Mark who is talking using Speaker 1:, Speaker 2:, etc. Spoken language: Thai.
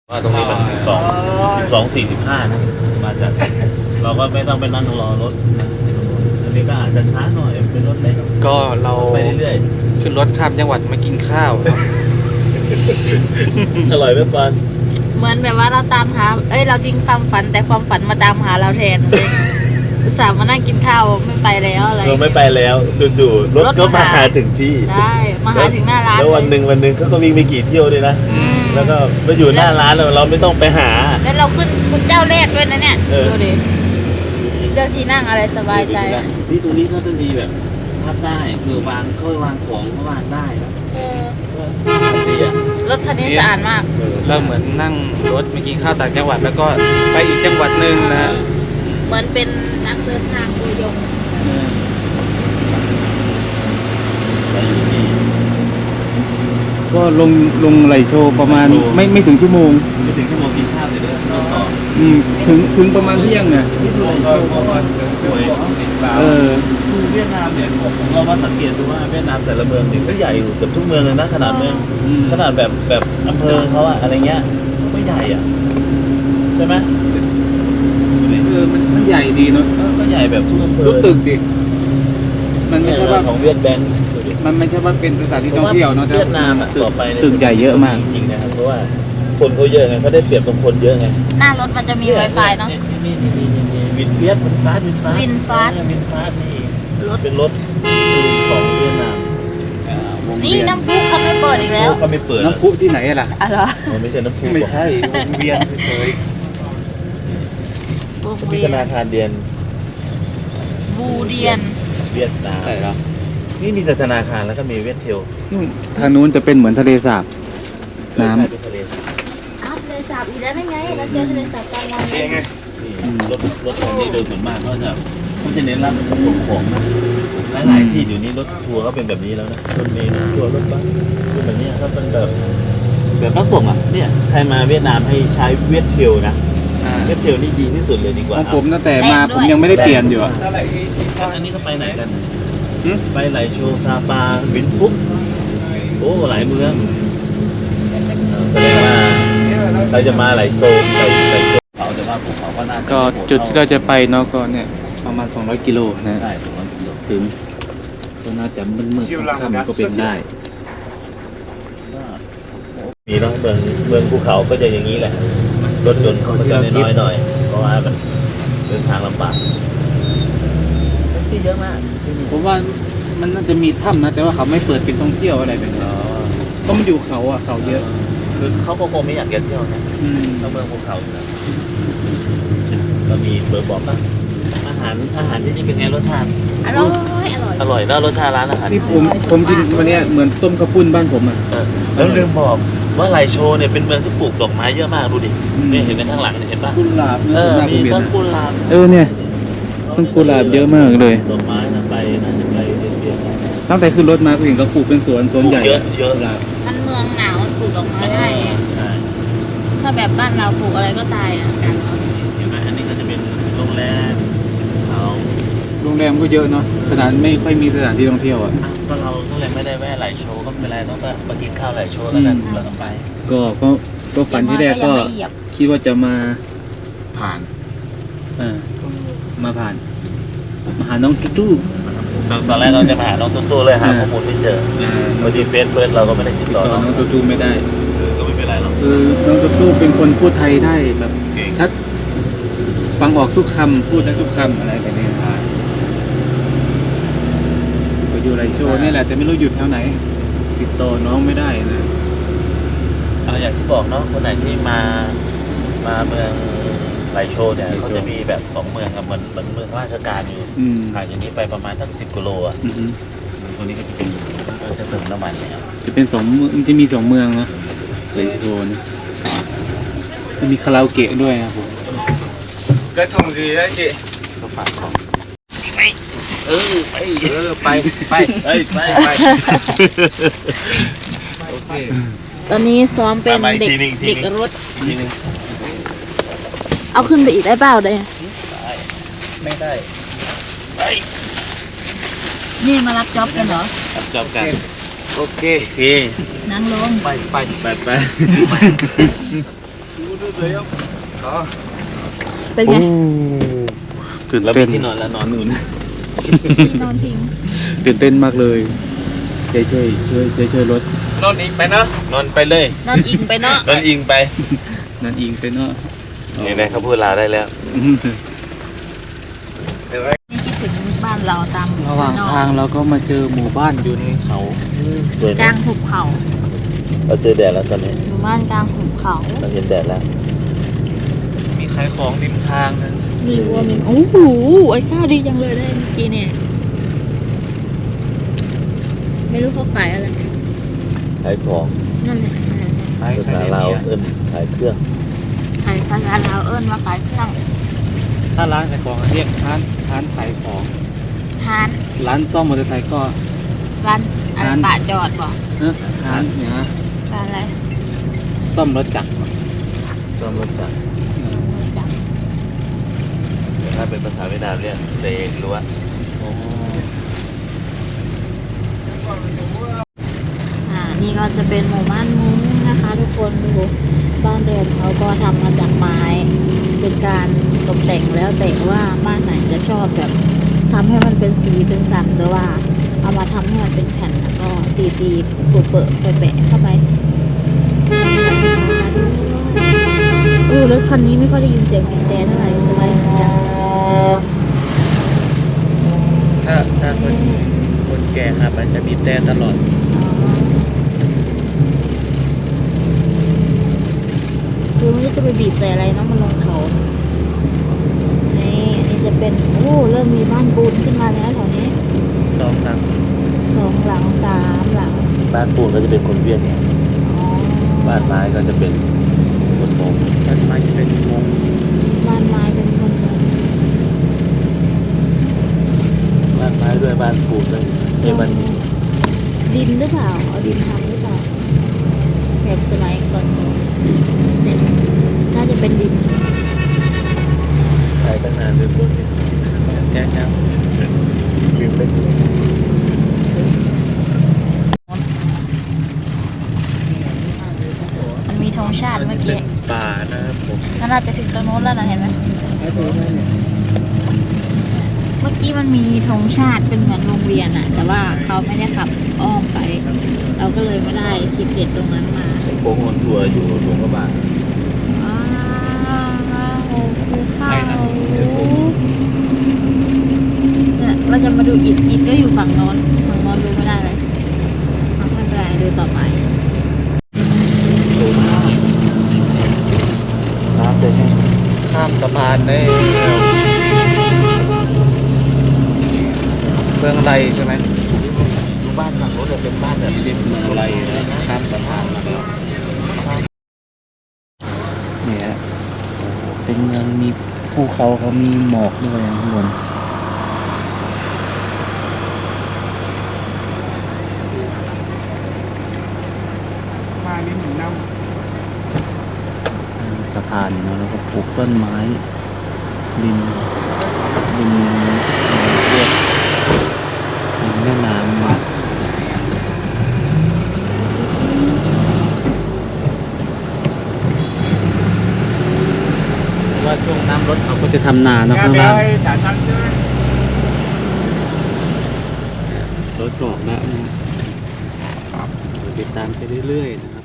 Speaker 1: ว่าตรงนี้มัน12:45นะมาจากเราก็ไม่ต้องไปนั่งรอรถนะอันนี้ก็อาจจะช้าหน่อยเป็นรถเล็ก
Speaker 2: ก็เรา
Speaker 1: ไปเรื่อย
Speaker 2: ขึ้นรถข้ามจังหวัดมากินข้าวเนาะ
Speaker 1: อร่อยไหมปาน
Speaker 3: เหมือนแบบว่าเราตามหาเราทิ้งความฝันแต่ความฝันมาตามหาเราแทนเลยอุตส่าห์มานั่งกินข้าวไม่ไปแล้วอะไร
Speaker 1: เราไม่ไปแล้วจู่ๆรถก็มาหาถึงที่
Speaker 3: ได้มาหาถึงหน้าร้าน
Speaker 1: แล้ววันหนึ่งเขาก็วิ่งไปกี่เที่ยวด้วยนะแล้วก็มาอยู่หน้าร้านเราไม่ต้องไปหา
Speaker 3: แล้วเราขึ้นคุณเจ้าแรกด้วยนะเนี่ยดูดิเลือกที่นั่งอะไรสบายใจ
Speaker 1: ที่ตรงนี้ก็จะมีแบบพับได้คือวางของก็วางได้นะ
Speaker 3: รถคันนี้สะอาดมาก
Speaker 2: เราเหมือนนั่งรถมากินข้าวต่างจังหวัดแล้วก็ไปอีกจังหวัดหนึ่งนะ
Speaker 3: เหมือนเป็นนักเดินทางตัวยง
Speaker 2: ก็ลงไหลโชว์ประมาณไม่ถึงชั่วโมง
Speaker 1: กินข้าวเสร็จแล้วต่อ
Speaker 2: ถึงประมาณเที่ยงเนี่ย
Speaker 1: ที่ไหลโชว์ประมาณสวยคือเวียดนามเนี่ยผมเรามาสังเกตดูว่าเวียดนามแต่ละเมืองเนี่ยก็ใหญ่อยู่เกือบทุกเมืองเลยนะขนาดเมืองขนาดแบบอำเภอเขาอะอะไรเงี้ยไม่ใหญ่อะใช่ไหม
Speaker 2: มันใหญ่ดีเนาะ
Speaker 1: ก็ใหญ่แบบทุกอำเภอ
Speaker 2: ทุกตึกดิมันไม่ใช่ว่า
Speaker 1: ของเวียดแบงค์
Speaker 2: มันไม่ใช่ว่าเป็นสถานที่ท่องเที่ยวเนาะ
Speaker 1: เวียดนามอะต่อไป
Speaker 2: ตึกใหญ่เยอะมาก
Speaker 1: จริงนะครับเพราะว่าคนเขาเยอะไงเขาได้เปรียบตรงคนเยอะไง
Speaker 3: หน้ารถมันจะมี Wi-Fi เนาะ
Speaker 1: วินเฟียสวินฟาสนี่เป็นรถของเวียดนาม
Speaker 3: นี่น้ำพุเขาไม่เปิดอีกแล้ว
Speaker 1: เขาไม่เปิด
Speaker 2: น้ำพุที่ไหนล่ะ
Speaker 3: อะไร
Speaker 1: ไม่ใช่น้ำพุ
Speaker 2: ไม่ใช่เวียนเฉย
Speaker 1: มีธนาคารเดียน
Speaker 3: บูเดียน
Speaker 1: เวียดนาม
Speaker 2: ใช่ครับ
Speaker 1: นี่มีแต่ธนาคารแล้วก็มีเวียดเทล
Speaker 2: ทางนู้นจะเป็นเหมือนทะเลสาบน้ำ
Speaker 1: เป็นทะเลสาบ
Speaker 3: ทะเลสาบอีกแล้วได้ไงเราเจอทะเลสาบกลางวัน
Speaker 1: ไงรถของนี่โดยส่วนมากเขาจะเน้นรับส่งของนะหลายที่อยู่นี้รถทัวร์ก็เป็นแบบนี้แล้วนะรถเมล์รถทัวร์รถบัสเป็นแบบนี้ก็เป็นแบบรับส่งอ่ะเนี่ยใครมาเวียดนามให้ใช้เวียดเทลนะเวียดเทลนี่ดีที่สุดเลยดีกว่า
Speaker 2: ผมตั้งแต่มาผมยังไม่ได้เปลี่ยนอยู่อ่ะ
Speaker 1: อันนี้ก็ไปไหนกันไปไหลโชว์ซาปาวินฟุกโอ้หลายเมืองแสดงว่าเราจะมาไหลโซเขาจะว่าภูเขาก็น่า
Speaker 2: ก็จุดที่เราจะไปเนาะก็เนี่ยประมาณ200 กิโลนะ
Speaker 1: ได้200 กิโล
Speaker 2: ถึงก็น่าจะมืดๆค่ำก็เป็นได้
Speaker 1: มีเนาะเมืองภูเขาก็จะอย่างนี้แหละรถยนต์เขาจะน้อยหน่อยเพราะว่ามันเดินทางลำบากแท็กซี่เยอะมาก
Speaker 2: ผมว่ามันน่าจะมีถ้ำนะแต่ว่าเขาไม่เปิดเป็นท่องเที่ยวอะไรแบบนี้ก็มันอยู่เขาอ่ะเขาเยอะ
Speaker 1: คือเขาก็คงไม่อยากเที่ยวนะเขาเมืองภูเขานะก็มีเบอร์บอกว่าอาหารที่นี่เป็นไงรสชาติ
Speaker 3: อร่อย
Speaker 1: นะรสชาติร้านอาหาร
Speaker 2: ที่ผมกินวันนี้เหมือนต้มข้าวปุ้นบ้านผมอ่ะ
Speaker 1: แล้วลืมบอกว่าไหลโชว์เนี่ยเป็นเมืองที่ปลูกดอกไม้เยอะมากดูดินี่เห็นไหมข้างหลังเห็นป่ะ
Speaker 2: กุหลาบ
Speaker 1: มีต้นกุหลาบ
Speaker 2: เนี่ยต้นกุหลาบเยอะมากเลย
Speaker 1: ดอกไม้น่าจะไปเรื่อย
Speaker 2: ๆตั้งแต่ขึ้นรถมาก็เห็นเขาปลูกเป็นสวนใหญ่
Speaker 1: เยอะ
Speaker 3: มันเมืองหนาวมันปลูกดอกไม้ได้ถ้าแบบบ้านเราปลูกอะไรก็ตายอ่ะ
Speaker 1: เห็นไหมอันนี้ก็จะเป็นโรงแรม
Speaker 2: โรงแรมก็เยอะเนาะขนาดไม่ค่อยมีสถานที่ท่องเที่ยวอ่ะ
Speaker 1: ก็เราก็เลยไม่ได้แวะไหลโชว์ก็ไม่เป็นไรต้องมากินข้าวไหลโชว์แล้วกันเราต้องไป
Speaker 2: ก็ฝันที่แรกก็คิดว่าจะมา
Speaker 1: ผ่าน
Speaker 2: มาผ่านมาหาน้องตู้
Speaker 1: ตอนแรกเราจะมาหาน้องตู้เลยหาข้อมูลไม่เจอพอดีเฟซเราก็ไม่ได้ติดต่อ
Speaker 2: น้องตู้ไม่ได้
Speaker 1: ก็ไม่เป็นไรหรอก
Speaker 2: คือน้องตู้เป็นคนพูดไทยได้แบบชัดฟังออกทุกคำพูดได้ทุกคำอะไรแบบนี้ก็อยู่ไรโชว์นี่แหละแต่ไม่รู้หยุดแถวไหนติดต่อน้องไม่ได้นะ
Speaker 1: อย่างที่บอกเนาะคนไหนที่มาเมืองไหลโชว์เนี่ยเขาจะมีแบบ2 เมืองครับเหมือนเมืองราชการอยู่ห่างจากนี้ไปประมาณตั้ง10 กิโลอ่ะตรงนี้ก็จะเป็นจะเติมน้ำมันเนี่ย
Speaker 2: จะเป็นมันจะมี2 เมืองนะไหลโชว์นี่จะมีคาราโอเกะด้วยครับผม
Speaker 1: ก็ท่องดีแล้วจีก็ฝากของไปโอเค
Speaker 3: ตอนนี้ซ้อมเป็นเด็กรถเอาขึ้นไปอีกได้เปล่าได้
Speaker 1: ไม่ได้
Speaker 3: นี่มารับจ็อบกันเหรอ
Speaker 1: รับจ็อบกันโอเค
Speaker 3: นั่งลง
Speaker 1: ไป
Speaker 3: เป็นไง
Speaker 2: ตื่น
Speaker 1: แล้ว
Speaker 2: เต้
Speaker 1: มี
Speaker 2: น
Speaker 1: ที่นอนแล้วนอนนู่น
Speaker 3: นอนทิ้ง
Speaker 2: ตื่นเต้นมากเลยช่วยรถ
Speaker 1: นอนอิงไปเนาะนอนไปเลย
Speaker 3: นอนอิงไปเนาะ
Speaker 1: นอนอิงไป
Speaker 2: นั่นอิงเป็นเนาะ
Speaker 1: นี่นะเขาพูดลาวได้แล้ว
Speaker 3: นี่คิดถึงบ้านเราตาม
Speaker 2: ระหว่างทางเราก็มาเจอหมู่บ้านอยู่ในเขา
Speaker 1: สวย
Speaker 3: กลา
Speaker 1: นะ
Speaker 3: งหุบเขา
Speaker 1: เราเจอแดดแล้วตอนนี้
Speaker 3: หมู่บ้านกลางหุบเขา
Speaker 1: เราเห็นแดดแล้ว
Speaker 2: มีขายของริมทางนะ
Speaker 3: มีวัวมีโอ้โหไอ้ข้าวดีจังเลยได้เมื่อกี้เนี่ย ไม่รู้เขาขายอะไร
Speaker 1: ขายของ
Speaker 3: นั่นแหละขายอะไร
Speaker 2: ขาย
Speaker 1: ภาษาลาวเอิ้นขายเครื่อง
Speaker 3: ขายภาษาลาวเอิ้นว่าขายเครื่อง
Speaker 2: ถ้าร้านขายของเรียกร้านขายของ
Speaker 3: ทาน
Speaker 2: ร้านซ่อมมอเตอร์ไซค์ก็
Speaker 3: ร้านอะไร
Speaker 2: ร้าน
Speaker 3: ปะจอดบ่
Speaker 2: ร้านเนี่ยนะ
Speaker 3: ร้านอะไร
Speaker 2: ซ่อมรถจักร
Speaker 1: ซ่อมรถจักร
Speaker 3: จัง
Speaker 1: แต่ถ้าเป็นภาษาเวียดนามเรียกเซลัว
Speaker 3: นี่ก็จะเป็นหมู่บ้านมุ้งนะคะ ทุกคนดูบ้านเดิมเขาก็ทำมาจากไม้ เป็นการตกแต่งแล้วแต่ว่าบ้านไหนจะชอบแบบทำให้มันเป็นสีเป็นสันหรือว่า เอามาทำให้มันเป็นแผ่นแล้วก็ตีๆเปิดๆแปะๆเข้าไปรถคันนี้ไม่ค่อยได้ยินเสียงบีบแต่เท่าไหร่สบายจัง
Speaker 2: ถ้าคนแก่ครับมันจะมีแต่ตลอด
Speaker 3: คือไม่รู้จะไปบีบใส่อะไรเนาะมันลงเขานี่อันนี้จะเป็นเริ่มมีบ้านปูนขึ้นมาแล้วแถวนี้
Speaker 2: 2 หลัง
Speaker 3: 2 หลัง 3 หลัง
Speaker 1: บ้านปูนก็จะเป็นคนเวียดนาม
Speaker 3: อ๋อ
Speaker 1: บ้านไม้ก็จะเป็นคนมง
Speaker 2: ด้านไม้จะเป็นวง
Speaker 3: บ้านไม้เป็นคนเมือง
Speaker 1: บ้านไม้ด้วยบ้านปูนด้วยบ้าน
Speaker 3: ดินหรือเปล่าเอาดินทำหรือเปล่าแบบสมัยก่อนเนี่ยน่าจะเป็นดิน
Speaker 1: ขายตั้งนานลืมรถเนี่ย
Speaker 2: แจ๊ค
Speaker 1: ลืมไป
Speaker 3: มันมีธงชาติเมื่อกี้
Speaker 2: ป่านะครับผม
Speaker 3: น่าจะถึงตรงโน้นแล้วนะเห็นไหมเมื่อกี้มันมีธงชาติเป็นเหมือนวงเวียนอะแต่ว่าเขาไม่ได้ขับอ้อมไป เราก็เลยไม่ได้คลิปเด็ดตรงนั้นมา
Speaker 1: โค้งออนทัวร์อยู่หลวงพระบาง
Speaker 3: อ้าวภูเขาเนี่ยเราจะมาดูอิฐก็อยู่ฝั่งโน้นดูไม่ได้เลยไม่เป็นไรดูต่อไป
Speaker 1: น้ำเสร็จไหม
Speaker 2: ข้ามสะพานได้เมืองไรใช่ไหม
Speaker 1: บ้านฝั่งโน้นจะเป็นบ้านแบบ
Speaker 2: เรียบเมืองไรนะข้ามสะพานมาแล้วเนี่ยโอ้โหเป็นเมืองมีภูเขาเขามีหมอกด้วยข้างบนมานี่หนึ่งน้ำสร้างสะพานเนาะแล้วก็ปลูกต้นไม้ริมเรียบริมแม่น้ำนะว่าช่วงน้ำลดเขาก็จะทำนาเนาะข้างล่างรถกรอกแล้วนะติดตามไปเรื่อยๆนะ